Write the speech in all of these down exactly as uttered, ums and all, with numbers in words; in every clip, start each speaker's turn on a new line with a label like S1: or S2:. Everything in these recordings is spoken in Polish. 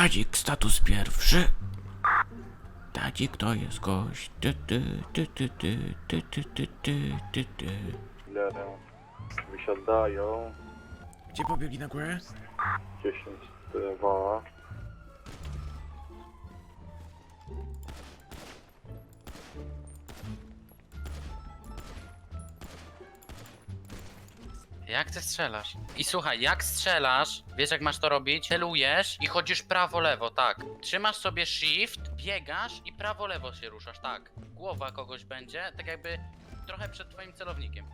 S1: Tadzik, status pierwszy. Tadzik to jest gość. Ty, ty, ty, ty, ty, ty, ty, ty, ty, ty, ty.
S2: Lerem wysiadają.
S1: Gdzie pobiegli na górę?
S2: dziesięć dwa.
S3: Jak ty strzelasz? I słuchaj, jak strzelasz, wiesz jak masz to robić? Celujesz i chodzisz prawo-lewo, tak. Trzymasz sobie shift, biegasz i prawo-lewo się ruszasz, tak. Głowa kogoś będzie, tak jakby trochę przed twoim celownikiem.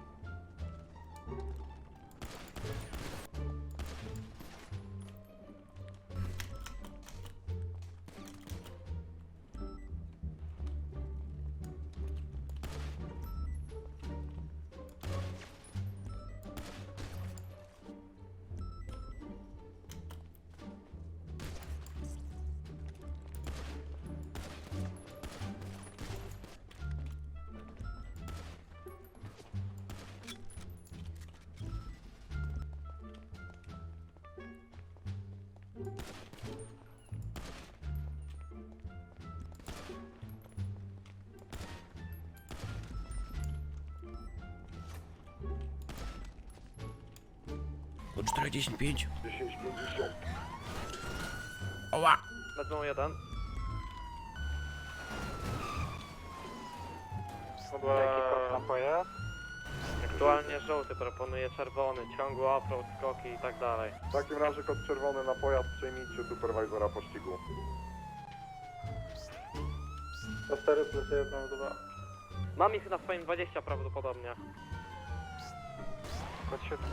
S1: O czterdzieści pięć.
S2: dziesięć pięćdziesiąt.
S1: Oła!
S2: Lecą jeden. Napoje?
S4: Aktualnie żółty proponuje czerwony, ciągły offroad, skoki i tak dalej.
S2: W takim razie kod czerwony na pojazd, przejmijcie superwajzora pościgu. cztery plus jeden, dwa.
S4: Mam ich na swoim dwadzieścia prawdopodobnie.
S2: Kod siedem.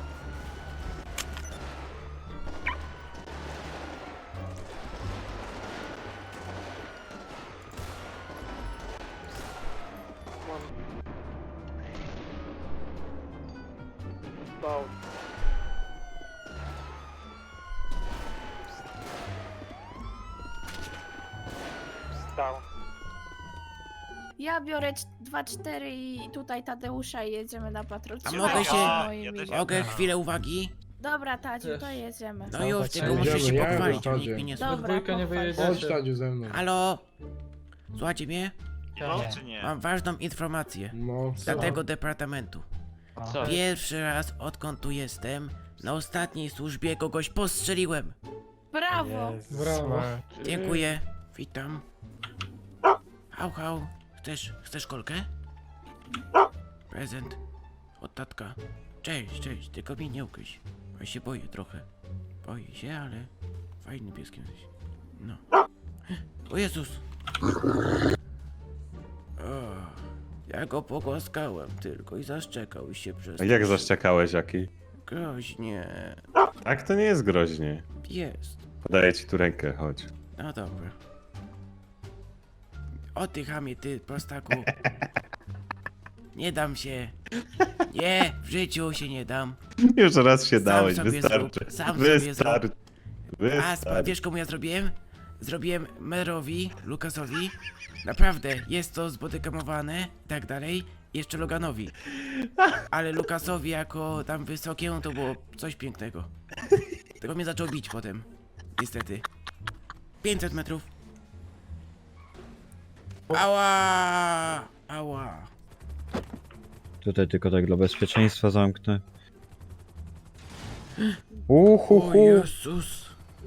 S4: Stał. Stał.
S5: Ja biorę dwa cztery i tutaj Tadeusza i jedziemy na patrol.
S1: A
S5: Trzymaj
S1: mogę
S5: się
S1: się-
S5: moimi.
S1: Mogę chwilę uwagi?
S5: Dobra, Tadziu, to jedziemy.
S1: No już, tylko
S6: Jedziemy,
S1: muszę się
S6: ja
S1: pochwalić,
S6: jadę,
S1: nikt mnie nie słucha.
S5: Dobra,
S7: dwójkę nie
S5: pochwal się.
S7: wyjedziecie.
S6: Chodź Tadziu ze mną.
S1: Halo? Słuchajcie mnie?
S7: No,
S8: czy nie?
S1: Mam ważną informację.
S6: No,
S1: Dla tego departamentu.
S7: Co?
S1: Pierwszy raz, odkąd tu jestem, na ostatniej służbie kogoś postrzeliłem.
S5: Brawo!
S7: Brawo.
S1: Dziękuję. Witam. Hał, hał. Chcesz, chcesz kolkę? Prezent. Od tatka. Cześć, cześć. Tylko mnie nie ukryć. Bo ja się boję trochę. Boję się, ale fajny pieskiem jesteś. No. O Jezus. O, ja go pogłaskałem tylko i zaszczekał się przez...
S9: A jak zaszczekałeś, Jaki?
S1: Groźnie.
S9: Tak, to nie jest groźnie.
S1: Jest.
S9: Podaję ci tu rękę, chodź.
S1: No dobra. O ty chamie, ty prostaku. Nie dam się. Nie, w życiu się nie dam.
S9: Już raz się
S1: Sam
S9: dałeś,
S1: sobie
S9: wystarczy.
S1: zrób, sam sobie
S9: Wystarczy.
S1: A sp-
S9: Wystarczy.
S1: wiesz komu ja zrobiłem? Zrobiłem Merowi, Lukasowi. Naprawdę, jest to zbodykamowane i tak dalej. Jeszcze Loganowi. Ale Lukasowi jako tam wysokie, to było coś pięknego. Tego mnie zaczął bić potem. Niestety. pięćset metrów. Ała! Ała!
S10: Tutaj tylko tak dla bezpieczeństwa zamknę.
S1: O
S10: Uhuhu.
S1: Jezus!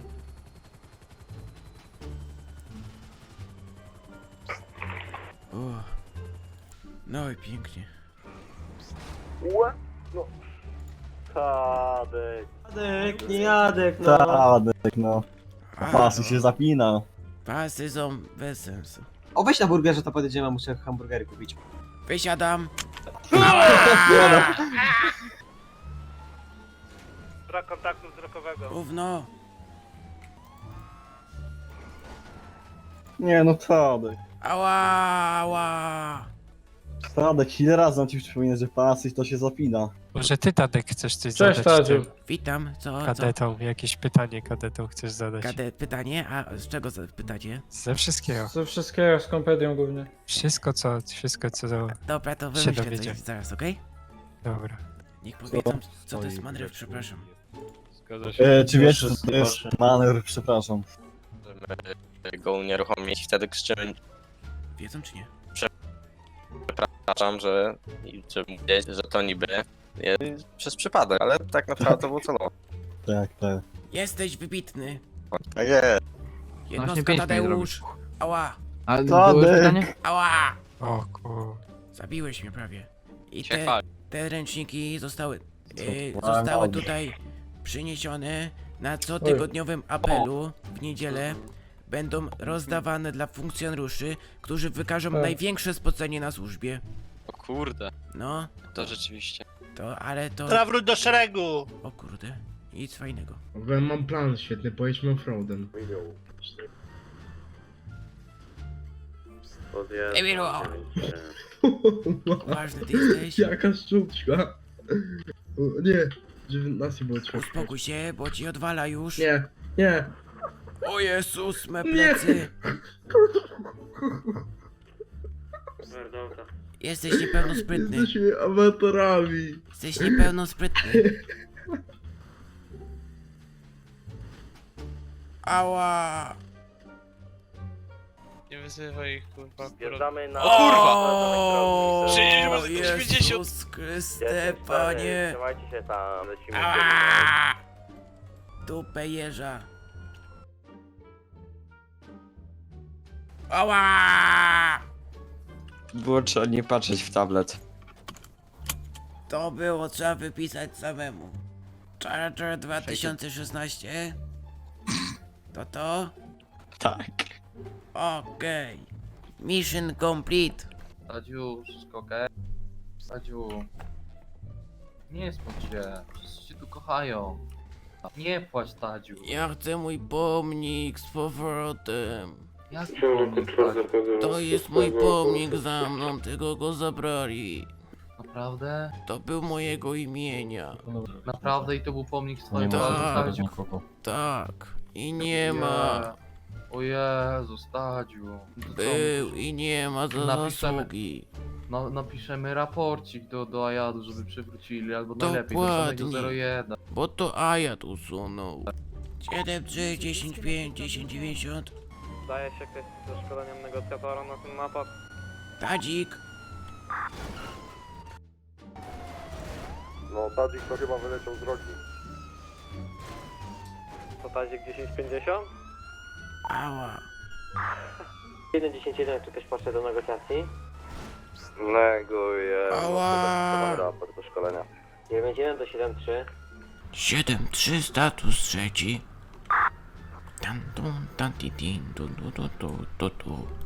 S1: O. No i pięknie.
S2: Ue? No. Tadek.
S4: Jadek, nie Jadek, no.
S10: Tadek, no.
S1: A,
S10: Pasy się zapina.
S1: pasy są bez sensu.
S10: O, weź na burgerze, to podjedziemy, muszę hamburgery kupić.
S1: Wysiadam.
S4: Brak kontaktu wzrokowego.
S1: Gówno.
S10: Nie no, Tadek.
S1: Ała, ała.
S10: Tadek, ile razy mam ci przypominać, że pasy to się zapina.
S11: Może ty, Tadek, chcesz coś
S7: Cześć,
S11: zadać
S7: Tadziu.
S11: tym
S1: Witam, co, co?
S11: kadetom? Jakieś pytanie kadetom chcesz zadać?
S1: Kadet, pytanie? A z czego za- pytacie?
S11: Ze wszystkiego.
S7: Ze wszystkiego, z kompedią głównie.
S11: Wszystko, co, wszystko, co...
S1: Dobra, to
S11: Się
S1: wymyślę coś
S11: dowiedziałem.
S1: zaraz, okej?
S11: Dobra.
S1: Niech powiedzą, co to jest manewr, przepraszam.
S9: Zgadza się.
S10: E, czy wiesz, co to jest manewr, przepraszam.
S6: możemy go unieruchomić. Wtedy krzyczymy,
S1: Wiedzą czy nie?
S6: przepraszam, że, że mówię, że to niby jest przez przypadek, ale tak naprawdę to było celowo.
S10: Tak, tak.
S1: Jesteś wybitny.
S6: Tak jest.
S1: Jednostka Tadeusz. Ała,
S8: Ale
S10: Tadek.
S8: było pytanie?
S1: ała.
S11: O kur...
S1: Zabiłeś mnie prawie. I
S3: Się
S1: te,
S3: chwali.
S1: te ręczniki zostały, e,
S10: Co?
S1: zostały
S10: Dobrze.
S1: tutaj przyniesione na cotygodniowym apelu w niedzielę. Będą rozdawane dla funkcjonariuszy, którzy wykażą
S7: Tak.
S1: największe spocenie na służbie.
S3: O kurde,
S1: No,
S3: to rzeczywiście.
S1: to, ale to...
S12: Zawróć do szeregu!
S1: O kurde, nic fajnego.
S12: Mam plan świetny, pojedźmy offroadem.
S1: Emilu, ważny ty jesteś.
S12: Jaka szczuczka! O, nie, żeby nas nie było trzeba.
S1: Uspokój się, bo ci odwala już.
S12: Nie, nie!
S1: O Jezus, me plecy. Jesteś niepełnosprytny.
S12: Jesteśmy amatorami!
S1: Jesteś niepełnosprytny. Ała.
S12: Nie wyzywaj ich, kurwa.
S4: Wjeżdżamy na...
S1: O,
S12: Przyjedziemy za
S1: Jezus Chryste, Panie.
S4: Trzymajcie się tam, lecimy.
S1: Ała. Dupę jeża. Ała.
S8: Było trzeba nie patrzeć w tablet.
S1: To było trzeba wypisać samemu. Charger dwa tysiące szesnaście. To to?
S8: Tak.
S1: Okej. Mission complete.
S8: Stadziu, wszystko okej? Stadziu. Nie smuć się, wszyscy cię tu kochają. Nie płacz, Tadziu.
S1: Ja chcę mój pomnik z powrotem.
S8: Jak pomnik, Tadziu?
S1: To jest mój pomnik za mną, tego go zabrali.
S8: Naprawdę?
S1: To był mojego imienia.
S8: Naprawdę i to był pomnik z twoim
S1: Tak.
S8: Tadziu?
S1: Tak. I nie ma.
S8: O Jezu, Stadziu. No to co,
S1: Był i nie ma za
S8: Napiszemy-
S1: zasługi.
S8: No, napiszemy raporcik do, do Ajadu, żeby przywrócili, albo najlepiej do samego
S1: Dokładnie.
S8: zero jeden.
S1: Bo to Ajat usunął. siedem trzy, dziesięć pięć, dziesięć dziewięćdziesiąt.
S4: Zdaje się ktoś ze szkoleniem negocjatora na ten napad.
S1: Tadzik.
S2: No, Tadzik to chyba wyleciał z drogi.
S4: To tazik dziesięć pięćdziesiąt?
S1: Ała.
S4: jeden dziesięć jeden, czy ktoś poszedł do negocjacji?
S2: Neguję.
S1: Ała.
S2: raport do szkolenia.
S4: dziewięć jeden do siedem trzy.
S1: siedem trzy, status trzeci. Tan, tun, tan, ti, tin, tu, tu, tu, tu, tu, tu.